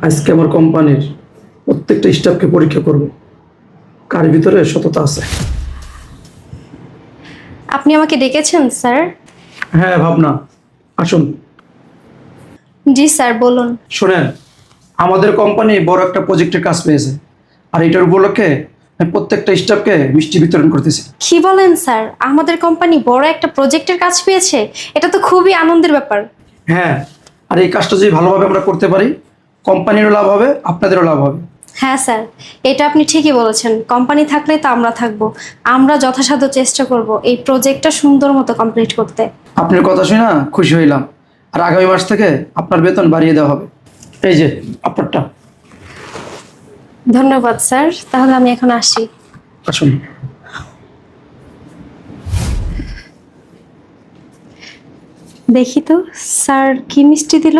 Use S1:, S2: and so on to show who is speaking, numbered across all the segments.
S1: আজকে আমার কোম্পানির প্রত্যেকটা স্টাফকে পরীক্ষা করব কার ভিতরে সততা আছে।
S2: আপনি আমাকে ডেকেছেন স্যার?
S1: হ্যাঁ ভাবনা, আসুন।
S2: জি স্যার, বলুন।
S1: শোনেন, আমাদের কোম্পানি বড় একটা প্রজেক্টের কাজ পেয়েছে, আর এটার উপলক্ষে আমি প্রত্যেকটা স্টাফকে মিষ্টি বিতরণ করতেছি।
S2: কি বলেন স্যার? আমাদের কোম্পানি বড় একটা প্রজেক্টের কাজ পেয়েছে? এটা তো খুবই আনন্দের ব্যাপার।
S1: হ্যাঁ, আর এই কাজটা যদি ভালোভাবে আমরা করতে পারি, কোম্পানিরও লাভ হবে, আপনাদেরও লাভ হবে।
S2: হ্যাঁ স্যার, এটা আপনি ঠিকই বলেছেন। কোম্পানি থাকলে তো আমরা থাকবো। আমরা যথাসাধ্য চেষ্টা করব এই প্রজেক্টটা সুন্দর মতো কমপ্লিট করতে।
S1: আপনার কথা শুনে না খুশি হইলাম। আর আগামী মাস থেকে আপনার বেতন বাড়িয়ে দেওয়া হবে। এই যে আপনারটা।
S2: ধন্যবাদ স্যার, তাহলে আমি এখন আসি।
S1: আসুন।
S2: দেখি তো স্যার কি মিষ্টি দিল।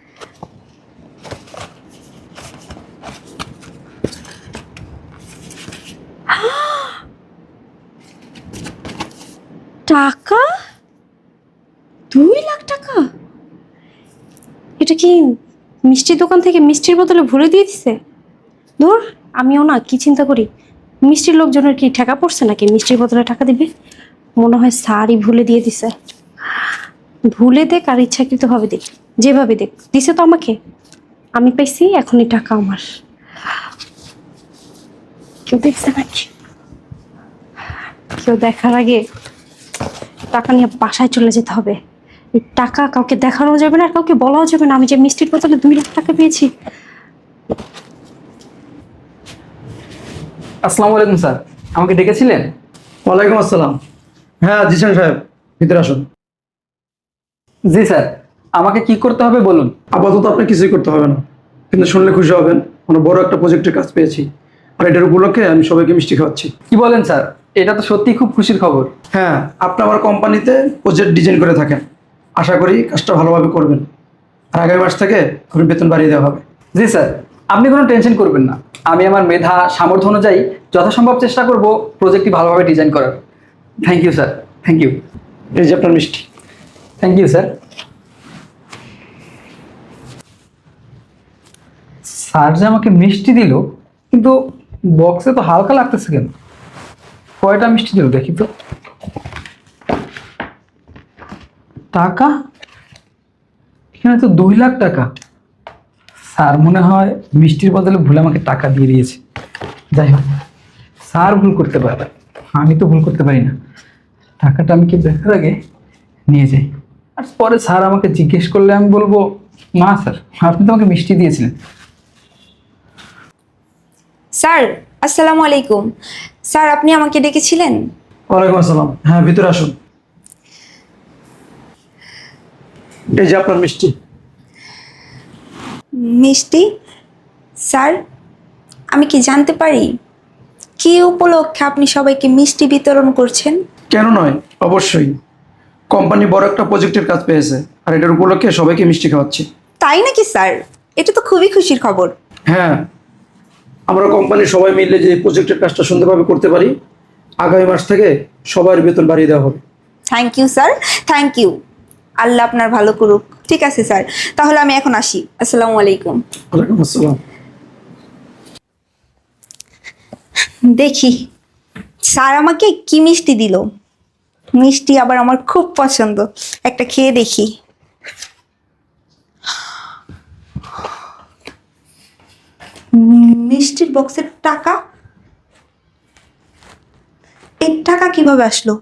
S2: টাকা 2 লাখ টাকা! এটা কি মিষ্টির দোকান থেকে মিষ্টির বোতলে ভরে দিয়ে দিছে? ধুর, আমিও না কি চিন্তা করি, মিষ্টির লোকজনের কি টাকা পড়ছে নাকি মিষ্টির বোতলে টাকা দিবে? মনে হয় স্যারই ভুলে দিয়ে দিছে। ভুলে দেখ আর ইচ্ছাকৃত ভাবে দেখ, যেভাবে দেখ দিছে তো আমাকে। আমি পাইছি, এখনই টাকা আমার। কেউ দেখছে নাকি? কেউ দেখার আগে টাকা নিয়ে বাসায় চলে যেতে হবে। এই টাকা কাউকে দেখানো যাবে না, আর কাউকে বলাও যাবে না আমি যে মিষ্টির বোতলে 2 লাখ টাকা পেয়েছি।
S3: আসসালামু আলাইকুম স্যার, আমাকে ডেকেছিলেন?
S1: ওয়ালাইকুম আসসালাম। হ্যাঁ জিসান সাহেব, ভিতরে আসুন।
S3: জি স্যার, আমাকে কি করতে হবে বলুন।
S1: আপাতত আপনি কিছুই করতে হবে না, কিন্তু শুনলে খুশি হবেন, আমরা বড় একটা প্রজেক্টের কাজ পেয়েছি, আর এটার উপলক্ষে আমি সবাইকে মিষ্টি খাওয়াচ্ছি।
S3: কি বলেন স্যার? এটা তো সত্যি খুব খুশির খবর।
S1: হ্যাঁ, আপনি আমার কোম্পানিতে প্রজেক্ট ডিজাইন করে থাকেন, আশা করি কাজটা ভালোভাবে করবেন, আর আগামী মাস থেকে আপনার বেতন বাড়িয়ে দেওয়া হবে।
S3: জি স্যার, আপনি কোনো টেনশন করবেন না। আমি আমার মেধা সামর্থ্য অনুযায়ী যথাসম্ভব চেষ্টা করব প্রজেক্টটি ভালোভাবে ডিজাইন করার। Thank you sir, thank you.
S1: এই যে আপনার মিষ্টি।
S3: Thank you sir. স্যার যে আমাকে মিষ্টি দিল, কিন্তু বক্সে তো হালকা লাগতেছে কেন? কয়টা মিষ্টি দিল দেখি তো। টাকা এখানে তো 2 লাখ টাকা। স্যার মনে হয় মিষ্টির বদলে ভুলে আমাকে টাকা দিয়ে দিয়েছে। যাই হোক, স্যার ভুল করতে পারে, আমি তো ভুল করতে পারি না। টাকাটা আমি কি দেখার আগে নিয়ে যাই, আর পরে স্যার আমাকে জিজ্ঞেস করলে আমি বলবো, মা স্যার আপনি তো আমাকে মিষ্টি দিয়েছিলেন।
S4: স্যার, আসসালামু আলাইকুম। স্যার, আপনি আমাকে ডেকেছিলেন?
S1: ওয়ালাইকুম আসসালাম। হ্যাঁ ভিতরে আসুন। এই যে আপনার মিষ্টি।
S4: মিষ্টি? স্যার, আমি কি জানতে পারি কি উপলক্ষে আপনি সবাইকে মিষ্টি বিতরণ করছেন?
S1: কেন নয়, অবশ্যই। কোম্পানি বড় একটা প্রজেক্টের কাজ পেয়েছে, আর এটার উপলক্ষে সবাইকে মিষ্টি খাওয়াচ্ছি।
S4: তাই নাকি স্যার? এটা তো খুবই খুশির খবর।
S1: হ্যাঁ, আমরা কোম্পানির সবাই মিলে যে প্রজেক্টের কাজটা সুন্দরভাবে করতে পারি, আগামী মাস থেকে সবার বেতন বাড়িয়ে দেওয়া হবে।
S4: Thank you sir, thank you. Allah আপনার ভালো করুক। ঠিক আছে স্যার, তাহলে আমি এখন আসি। আসসালামু আলাইকুম।
S1: ওয়ালাইকুম আসসালাম।
S4: দেখি স্যার আমাকে কি মিষ্টি দিল। মিষ্টি আবার আমার খুব পছন্দ, একটা খেয়ে দেখি। মিষ্টির বক্সের টাকা? এই টাকা কিভাবে আসলো?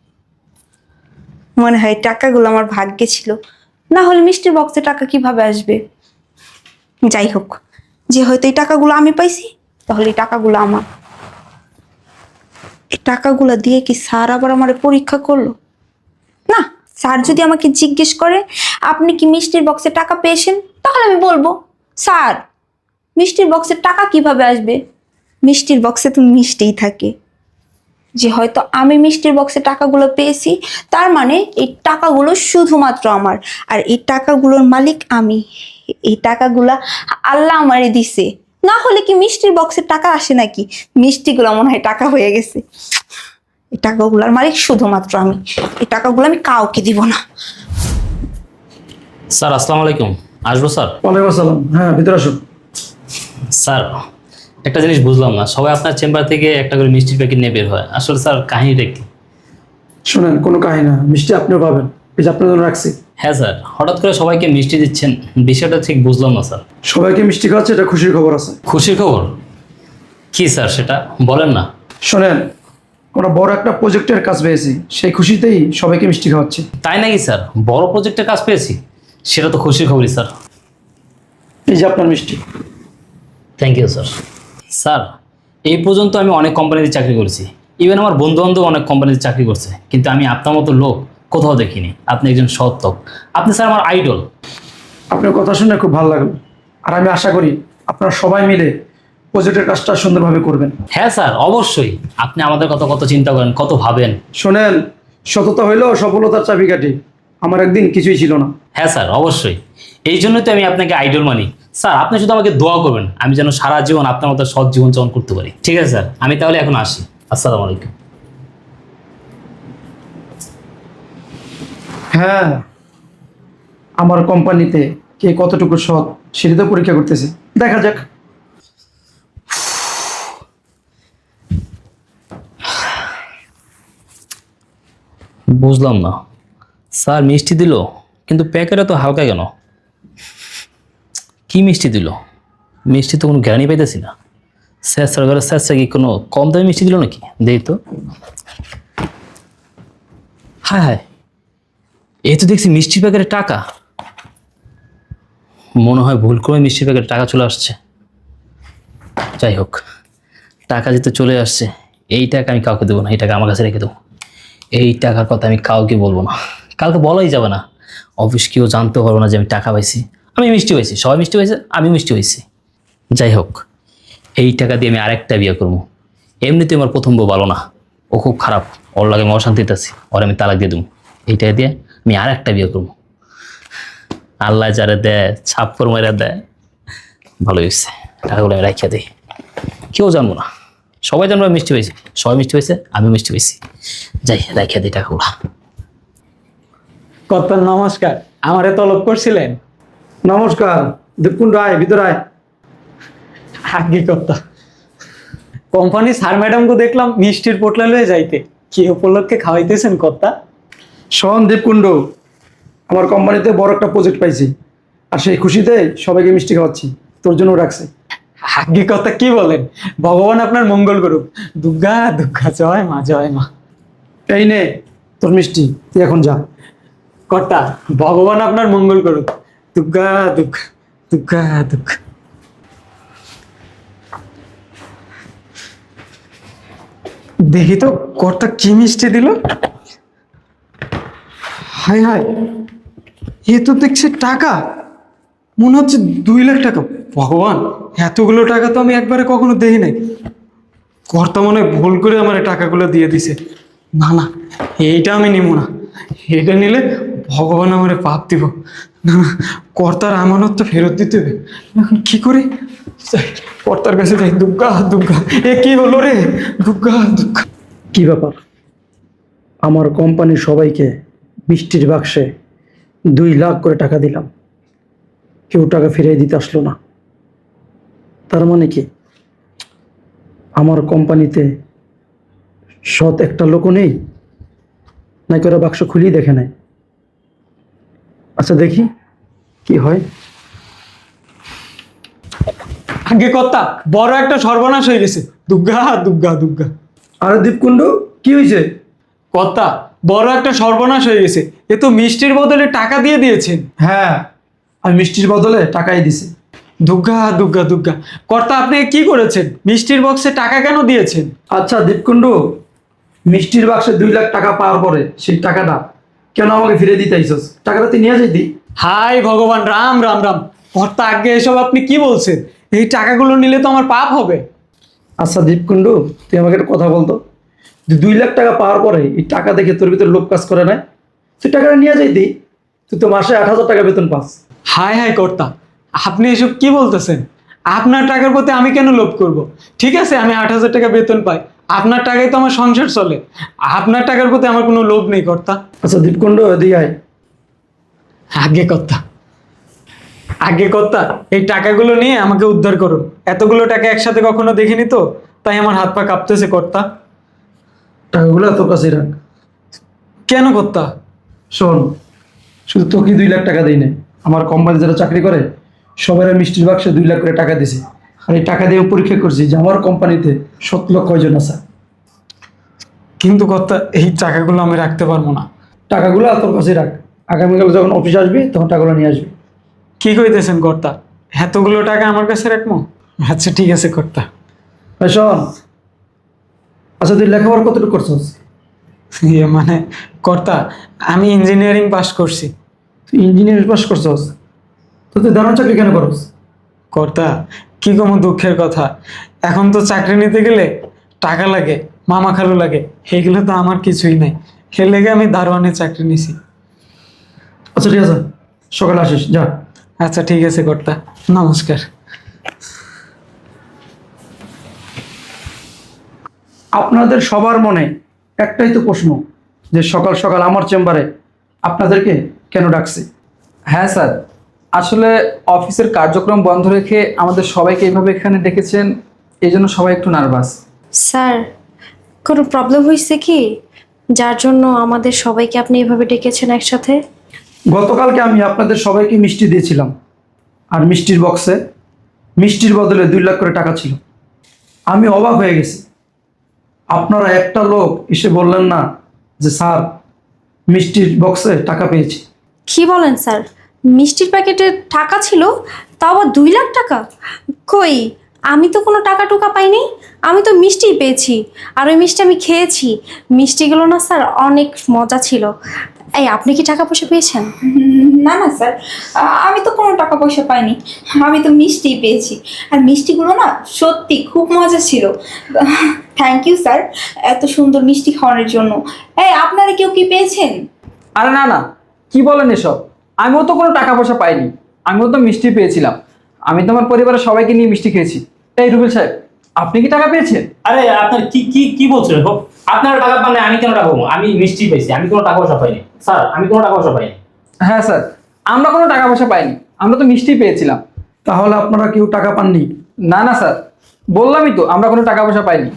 S4: মনে হয় টাকাগুলো আমার ভাগ্যে ছিল, না হলে মিষ্টির বক্সে টাকা কিভাবে আসবে? যাই হোক, যে হয়তো এই টাকাগুলো আমি পাইছি, তাহলে এই টাকাগুলো আমার। এই টাকাগুলো দিয়ে কি স্যার আবার আমার পরীক্ষা করলো? না, স্যার যদি আমাকে জিজ্ঞেস করে আপনি কি মিষ্টির বক্সে টাকা পেয়েছেন, তাহলে আমি বলবো, স্যার মিষ্টির বক্সে টাকা কিভাবে আসবে? মিষ্টির বক্সে তো মিষ্টিই থাকে। যে হয়তো আমি মিষ্টির বক্সে টাকাগুলো পেয়েছি, তার মানে এই টাকাগুলো শুধুমাত্র আমার, আর এই টাকাগুলোর মালিক আমি। এই টাকাগুলা আল্লাহ আমারে দিছে, না হলে কি মিষ্টির বক্সে টাকা আসে নাকি? মিষ্টিগুলো মনে হয় টাকা হয়ে গেছে। এই টাকাগুলোর মালিক শুধুমাত্র আমি। এই টাকাগুলো আমি কাউকে দিব না।
S5: স্যার আসসালামু আলাইকুম, আসবো স্যার?
S1: ওয়ালাইকুম আসসালাম। হ্যাঁ ভিতরে আসুন।
S5: স্যার একটা জিনিস বুঝলাম না, সবাই আপনার চেম্বার থেকে একটা করে মিষ্টির প্যাকেট নিয়ে বের হয়, আসলে স্যার কাহিনীটা কি?
S1: শোনেন, কোনো কাহিনী না, মিষ্টি আপনিও পাবেন, এই যে আপনার জন্য রাখছি।
S5: হ্যাঁ স্যার, হঠাৎ করে সবাইকে মিষ্টি দিচ্ছেন, বিষয়টা ঠিক বুঝলাম না স্যার।
S1: সবাইকে মিষ্টি খাওয়াচ্ছে, এটা খুশির খবর আছে।
S5: খুশির খবর কি স্যার, সেটা বলেন না।
S1: শোনেন, আমরা বড় একটা প্রজেক্টের কাজ পেয়েছি, সেই খুশিতেই সবাইকে মিষ্টি খাওয়াচ্ছি।
S5: তাই নাকি স্যার? বড় প্রজেক্টের কাজ পেয়েছি, সেটা তো খুশির খবরই স্যার।
S1: এই যে আপনার মিষ্টি।
S5: Thank you sir. স্যার, এই পর্যন্ত আমি অনেক কোম্পানিতে চাকরি করেছি, ইভেন আমার বন্ধু বান্ধব অনেক কোম্পানিতে চাকরি করছে, কিন্তু আমি আপনার মতো লোক কোথাও দেখিনি। আপনি একজন সৎ লোক, আপনি স্যার আমার আইডল।
S1: আপনার কথা শুনে খুব ভালো লাগলো, আর আমি আশা করি আপনারা সবাই মিলে প্রজেক্টের কাজটা সুন্দরভাবে করবেন।
S5: হ্যাঁ স্যার, অবশ্যই। আপনি আমাদের কথা কত চিন্তা করেন, কত ভাবেন।
S1: শোনেন, সততা হইল সফলতার চাবিকাঠি। আমার একদিন কিছুই ছিল না।
S5: হ্যাঁ স্যার, অবশ্যই। এই জন্যই তো আমি আপনাকে আইডল মানি। স্যার, আপনি শুধু আমাকে দোয়া করবেন, আমি যেন সারা জীবন আপনার মতো সৎ জীবনযাপন করতে পারি। ঠিক আছে স্যার, আমি তাহলে এখন আসি। আসসালামু আলাইকুম।
S1: হ্যাঁ, আমার কোম্পানিতে কে কতটুকু সৎ সেটা তো পরীক্ষা করতেছে, দেখা যাক।
S5: বুঝলাম না, স্যার মিষ্টি দিল কিন্তু প্যাকেটে তো হালকা কেন? কি মিষ্টি দিল? মিষ্টি তো কোনো গ্যারানি পাইতেছি না। স্যার ঘরে স্যার কি কোনো কম দামি মিষ্টি দিল নাকি? দেই তো। হায় হায়, এই তো দেখছি মিষ্টির প্যাকেটে টাকা। মনে হয় ভুল করে মিষ্টির প্যাকেটে টাকা চলে আসছে। যাই হোক, টাকা যেতে চলে আসছে, এই টাকা আমি কাউকে দেবো না, এই টাকা আমার কাছে রেখে দেবো। এই টাকার কথা আমি কাউকে বলবো না, কালকে বলাই যাবে না। অফিস কেউ জানতে পারবো না যে আমি টাকা পাইছি, আমি মিষ্টি পাইছি। সবাই মিষ্টি পাইছে, আমি মিষ্টি পাইছি। যাই হোক, এই টাকা দিয়ে আমি আরেকটা বিয়ে করবো। এমনিতে আমার প্রথম বউ ভালো না, ও খুব খারাপ, ওর লাগে আমি অশান্তিতে আছি, ওর আমি তালাক দিয়ে দেবো। এই টাকা দিয়ে আমি আরেকটা বিয়ে করবো। আল্লাহ যারা দেয়, ছাপ্পর মেরা দেয়, ভালো হয়েছে। টাকাগুলো আমি রাখিয়া দিই, কেউ জানবো না। সবাই জানবো আমি মিষ্টি পাইছি, সবাই মিষ্টি পাইছে, আমি মিষ্টি পাইছি। যাই, রাখিয়া দিই টাকাগুলো।
S6: কত নমস্কার, আমারে তলব করছিলেন?
S1: নমস্কার, দীপকুণ্ড আয়, ভিতর আয়।
S6: আগে কথা, কোম্পানি স্যার ম্যাডামকে দেখলাম মিষ্টির পোটলা লয়ে যাইতে, কি উপলক্ষে খাওয়াইতেছেন কর্তা?
S1: শোন দীপকুণ্ড, আমার কোম্পানিতে বড় একটা প্রজেক্ট পাইছি, আর সেই খুশিতে সবাইকে মিষ্টি খাওয়াচ্ছি, তোর জন্য রাখছি।
S6: আগে কথা কি বলেন? ভগবান আপনার মঙ্গল করুক। দুর্গা দুর্গা, জয় মা, জয় মা।
S1: এই নে তোর মিষ্টি, তুই এখন যা।
S6: কর্তা, ভগবান আপনার মঙ্গল করুক। দুর্গা দুর্গা, দুর্গা দুর্গা। দেখি তো কর্তা কি মিষ্টি দিল। হায় হায়, এ তো দেখছি টাকা, মনে হচ্ছে 2 লাখ টাকা। ভগবান, এতগুলো টাকা তো আমি একবারে কখনো দেখি নাই। কর্তা মনে হয় ভুল করে আমার এই টাকাগুলো দিয়ে দিছে। না না, এইটা আমি নিব না, এটা নিলে ভগবান আমারে পাপ দিব। না না, কর্তার আমানত তো ফেরত দিতে হবে। এখন কি করি? যাই, কর্তার কাছে যাই। দুর্গা দুর্গা, এ কি হলো রে? দুর্গা দুর্গা।
S1: কি ব্যাপার? আমার কোম্পানির সবাইকে মিষ্টির বাক্সে 2 লাখ করে টাকা দিলাম, কেউ টাকা ফিরিয়ে দিতে আসলো না। তার মানে কি আমার কোম্পানিতে সৎ একটা লোকও নেই? নাকি ওরা বাক্স খুলেই দেখে নেয়? আচ্ছা দেখি কি হয়।
S6: আগে কর্তা, বড় একটা সর্বনাশ হয়ে গেছে। দুর্গা দুর্গা দুর্গা।
S1: আরে দীপকুণ্ড, কি হয়েছে?
S6: কর্তা, বড় একটা সর্বনাশ হয়ে গেছে। এ তো মিষ্টির বদলে টাকা দিয়ে দিয়েছেন।
S1: হ্যাঁ, আমি মিষ্টির বদলে টাকাই দিছি।
S6: দুর্গা দুর্গা দুর্গা। কর্তা, আপনি কি করেছেন? মিষ্টির বক্সে টাকা কেন দিয়েছেন?
S1: আচ্ছা দীপকুণ্ড, মিষ্টির বাক্সে 2 লাখ টাকা পাওয়ার পরে সেই টাকাটা কেন আমাকে ফিরে দিতে আইসস? টাকাটা তুই নিয়ে যাইতি।
S6: হাই ভগবান, রাম রাম রাম। কর্তা, আগে এসব আপনি কি বলছেন? এই টাকাগুলো নিলে তো আমার পাপ হবে।
S1: আচ্ছা দীপকুণ্ড, তুই আমাকে একটা কথা বলতো, 2 লাখ টাকা পাওয়ার পরে এই টাকা দেখে তোর ভিতরে লোভ কাজ করে না? তুই টাকাটা নিয়ে যাইতি, তুই তো মাসে 8,000 টাকা বেতন পাস।
S6: হাই হাই কর্তা, আপনি এসব কি বলতেছেন? আপনার টাকার প্রতি আমি কেন লোভ করব? ঠিক আছে, আমি 8,000 টাকা বেতন পাই, আপনার টাকায় তো আমার সংসার চলে। আপনার টাকার প্রতি আমার কোনো লোভ নেই কর্তা।
S1: আচ্ছা দীপকুণ্ড, এদিকে আয়।
S6: আগে কর্তা। আগে কর্তা এই টাকাগুলো নিয়ে আমাকে উদ্ধার করুন। এতগুলো টাকা একসাথে কখনো দেখিনি তো, তাই আমার হাত পা কাঁপতেছে কর্তা।
S1: টাকাগুলো তোর কাছেই রাখ।
S6: কেন কর্তা?
S1: শোন, শুধু তোকে 2 লাখ টাকা দিই না, আমার কোম্পানি যারা চাকরি করে সবাই মিষ্টির বাক্সে 2 লাখ করে টাকা দিছে। আর এই টাকা দিয়ে পরীক্ষা করছি যে আমার কোম্পানিতে 7 লক্ষ কয়জন আছে।
S6: কিন্তু কর্তা এই টাকাগুলো আমি রাখতে পারবো না।
S1: টাকাগুলো তোর কাছেই রাখ, আগামীকাল যখন অফিস আসবি তখন টাকাগুলো নিয়ে আসবি।
S6: কি কইতেছেন কর্তা? এতগুলো টাকা আমার কাছে রাখবো? আচ্ছা ঠিক আছে কর্তা।
S1: ভাই শোন, আচ্ছা তুই লেখাপড়া কতটুকু করছিস?
S6: মানে কর্তা, আমি ইঞ্জিনিয়ারিং পাস করছি।
S1: তুই ইঞ্জিনিয়ারিং পাস করছিস, তো তুই দারুণ চাকরি কেন করস?
S6: কর্তা কি কোনো দুঃখের কথা, এখন তো চাকরি নিতে গেলে টাকা লাগে, মামা খালু লাগে, এগুলো তো আমার কিছুই নাই। এর লেগে আমি দারোয়ানের চাকরি নিছি।
S1: আচ্ছা ঠিক আছে, সকালে আসিস, যা।
S6: আচ্ছা ঠিক আছে কর্তা, নমস্কার।
S1: আপনাদের সবার মনে একটাই তো প্রশ্ন, যে সকাল সকাল আমার চেম্বারে আপনাদেরকে কেন ডাকছি?
S3: হ্যাঁ স্যার, আসলে অফিসের কার্যক্রম বন্ধ রেখে আমাদের সবাইকে এইভাবে এখানে ডেকেছেন, এই জন্য সবাই একটু নার্ভাস।
S2: স্যার, কোনো প্রবলেম হয়েছে কি যার জন্য আমাদের সবাইকে আপনি এভাবে ডেকেছেন একসাথে?
S1: গতকালকে আমি আপনাদের সবাইকে মিষ্টি দিয়েছিলাম, আর মিষ্টির বক্সে মিষ্টির বদলে 2 লাখ করে টাকা ছিল। আমি অবাক হয়ে গেছি, আপনারা একটা লোক এসে বললেন না যে স্যার মিষ্টির বক্সে টাকা পেয়েছি।
S2: কি বলেন স্যার? মিষ্টির প্যাকেটে টাকা ছিল, তাও আবার 2 লাখ টাকা? কই, আমি তো কোনো টাকা টুকা পাইনি। আমি তো মিষ্টিই পেয়েছি, আর ওই মিষ্টি আমি খেয়েছি। মিষ্টিগুলো না স্যার অনেক মজা ছিল। এই, আপনি কি টাকা পয়সা পেয়েছেন?
S4: না না স্যার, আমি তো কোনো টাকা পয়সা পাইনি, আমি তো মিষ্টি পেয়েছি। আর মিষ্টিগুলো না সত্যি খুব মজা ছিল। থ্যাংক ইউ স্যার এত সুন্দর মিষ্টি খাওয়ানোর জন্য। এই আপনারা কেউ কি পেয়েছেন?
S3: আরে না না, কি বলেন এসব? আমিও তো কোনো টাকা পয়সা পাইনি, আমিও তো মিষ্টি পেয়েছিলাম। আমি তোমার পরিবারের সবাইকে নিয়ে মিষ্টি খেয়েছি। এই রুবেল সাহেব, আপনি কি টাকা পেয়েছেন?
S5: আরে আপনার কি কি কি বলছেন? আপনারা টাকা পান না, আমি কেন টাকা পাবো? আমি মিষ্টি পেয়েছি, আমি কোনো টাকা পয়সা পাইনি স্যার, আমি কোনো টাকা পয়সা পাইনি।
S3: হ্যাঁ স্যার, আমরা কোনো টাকা পয়সা পাইনি, আমরা তো মিষ্টি পেয়েছিলাম।
S1: তাহলে আপনারা কেউ টাকা পাননি?
S3: না না স্যার, বললামই তো আমরা কোনো টাকা পয়সা পাইনি।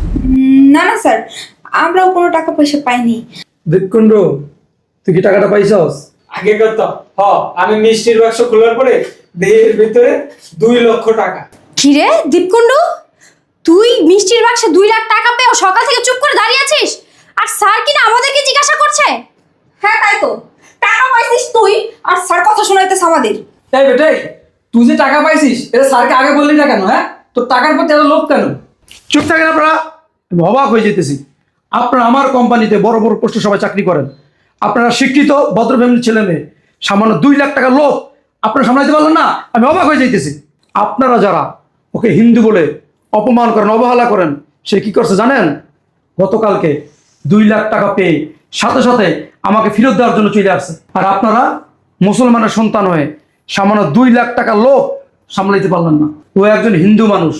S4: না না স্যার, আমরাও কোনো টাকা পয়সা পাইনি।
S1: দীপকুণ্ড, তুই কি টাকাটা পাইছস?
S6: আগে কর্তা, আমি মিষ্টির বাক্স খোলার পরে দেহের ভিতরে 2 লক্ষ টাকা।
S2: কি রে দীপকুণ্ড, তুই মিষ্টির বাক্সে 2 লাখ টাকা পেয়েও সকাল থেকে চুপ করে দাঁড়িয়ে আছিস, আর স্যার কিনা আমাদেরকে জিজ্ঞাসা করছে?
S4: হ্যাঁ তাই তো, টাকা পাইছিস তুই আর স্যার কথা শোনাইতেছে আমাদের।
S3: এই বেটাই, তুই যে টাকা পাইছিস এটা স্যারকে আগে বললি না কেন? হ্যাঁ, তোর টাকার প্রতি এত লোভ কেন?
S1: চুপ থাকেন আপনারা, আমি অবাক হয়ে যেতেছি। আপনারা আমার কোম্পানিতে বড় বড় পোস্টে সবাই চাকরি করেন, আপনারা শিক্ষিত ভদ্র ফ্যামিলির ছেলে মেয়ে, সামান্য 2 লাখ টাকার লোভ আপনারা সামলাইতে পারলেন না? আমি অবাক হয়ে যাইতেছি। আপনারা যারা ওকে হিন্দু বলে অপমান করেন, অবহেলা করেন, সে কি করছে জানেন? গতকালকে 2 লাখ টাকা পেয়ে সাথে সাথে আমাকে ফেরত দেওয়ার জন্য চলে আসছে। আর আপনারা মুসলমানের সন্তান হয়ে সামান্য 2 লাখ টাকার লোভ সামলাইতে পারলেন না। ও একজন হিন্দু মানুষ,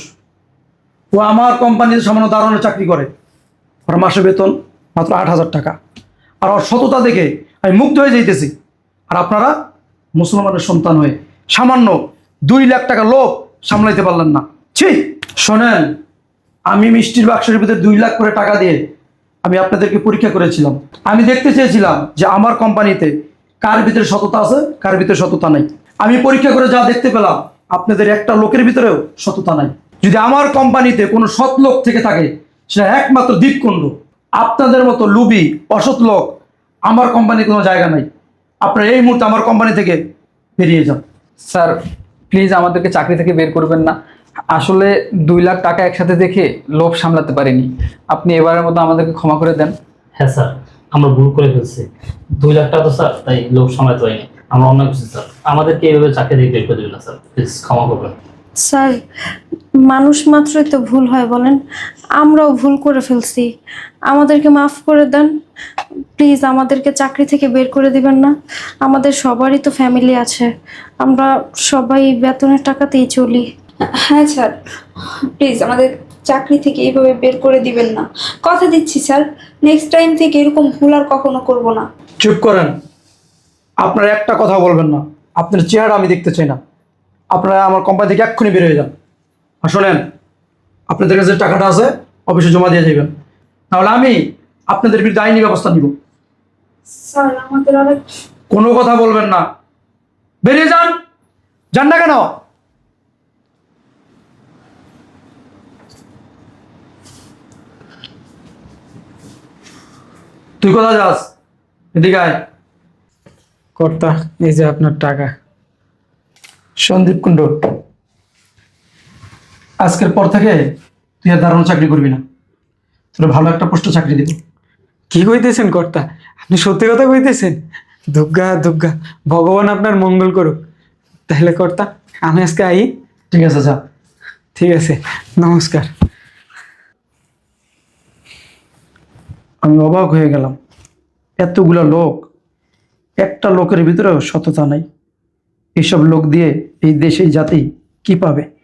S1: ও আমার কোম্পানিতে সামান্য দারোয়ানের চাকরি করে, ওর মাসে বেতন মাত্র 8,000 টাকা। আর ওর সততা দেখে আমি মুগ্ধ হয়ে যাইতেছি। আর আপনারা মুসলমানের সন্তান হয়ে সামান্য 2 লাখ টাকা লোভ সামলাইতে পারলেন না। ছি! শোনেন, আমি মিষ্টির বাক্সের ভিতরে 2 লাখ করে টাকা দিয়ে আমি আপনাদেরকে পরীক্ষা করেছিলাম। আমি দেখতে চেয়েছিলাম যে আমার কোম্পানিতে কার ভিতরে সততা আছে, কার ভিতরে সততা নাই। আমি পরীক্ষা করে যা দেখতে পেলাম, আপনাদের একটা লোকের ভিতরেও সততা নাই। যদি আমার কোম্পানিতে কোনো সৎ লোক থেকে থাকে, সেটা একমাত্র দীপকুণ্ড। আপনাদের মতো লুবি অসৎ লোক আমার কোম্পানির কোনো জায়গা নাই। আপনারা এই মুহূর্তে আমার কোম্পানি থেকে বেরিয়ে যান।
S3: স্যার প্লিজ আমাদেরকে চাকরি থেকে বের করবেন না। আসলে 2 লাখ টাকা একসাথে দেখে লোভ সামলাতে পারিনি। আপনি এবারের মতো আমাদেরকে ক্ষমা করে দেন।
S5: হ্যাঁ স্যার, আমরা ভুল করে ফেলছি। 2 লাখ টাকা তো স্যার, তাই লোভ সামলাতে পারিনি, আমরা অন্য কিছু স্যার। আমাদেরকে এইভাবে চাকরি থেকে বের করে দেবেন না স্যার, প্লিজ ক্ষমা করবেন।
S2: স্যার, মানুষ মাত্রই তো ভুল হয় বলেন, আমরাও ভুল করে ফেলছি, আমাদেরকে মাফ করে দেন প্লিজ। আমাদেরকে চাকরি থেকে বের করে দিবেন না, আমাদের সবারই তো ফ্যামিলি আছে, আমরা সবাই বেতনের টাকাতেই চলি।
S4: হ্যাঁ স্যার, প্লিজ আমাদের চাকরি থেকে এইভাবে বের করে দিবেন না, কথা দিচ্ছি স্যার। নেক্সট টাইম থেকে এরকম ভুল আর কখনো করব না।
S1: চুপ করেন, আপনারা একটা কথা বলবেন না, আপনার চেহারা আমি দেখতে চাই না। আপনারা আমার কোম্পানি থেকে এক্ষুনি বের হয়ে যান। আর শোনেন, আপনাদের কাছে যে টাকাটা আছে অফিসে জমা দিয়ে যাবেন, নাহলে আমি আপনাদের বিরুদ্ধে আইনি ব্যবস্থা নিব।
S2: স্যার আমাদের অনেক
S1: কোনো কথা বলবেন না, বেরিয়ে যান। যান না কেন? তুই কোথায় যাস? এদিকে আয়।
S6: কর্তা, এই যে আপনার টাকা।
S1: সন্দীপ কুণ্ড, আজকের পর থেকে তুই আর দারুণ চাকরি করবি না, তোর ভালো একটা পোস্টে চাকরি দিব।
S6: কি কইতেছেন কর্তা? আপনি সত্যি কথা কইতেছেন? দুর্গা দুর্গা, ভগবান আপনার মঙ্গল করুক। তাহলে কর্তা, আমি আজকে আই।
S1: ঠিক আছে, যা।
S6: ঠিক আছে, নমস্কার।
S1: আমি অবাক হয়ে গেলাম, এতগুলা লোক, একটা লোকের ভিতরেও সততা নাই। এইসব লোক দিয়ে এই দেশ এই জাতি কি পাবে?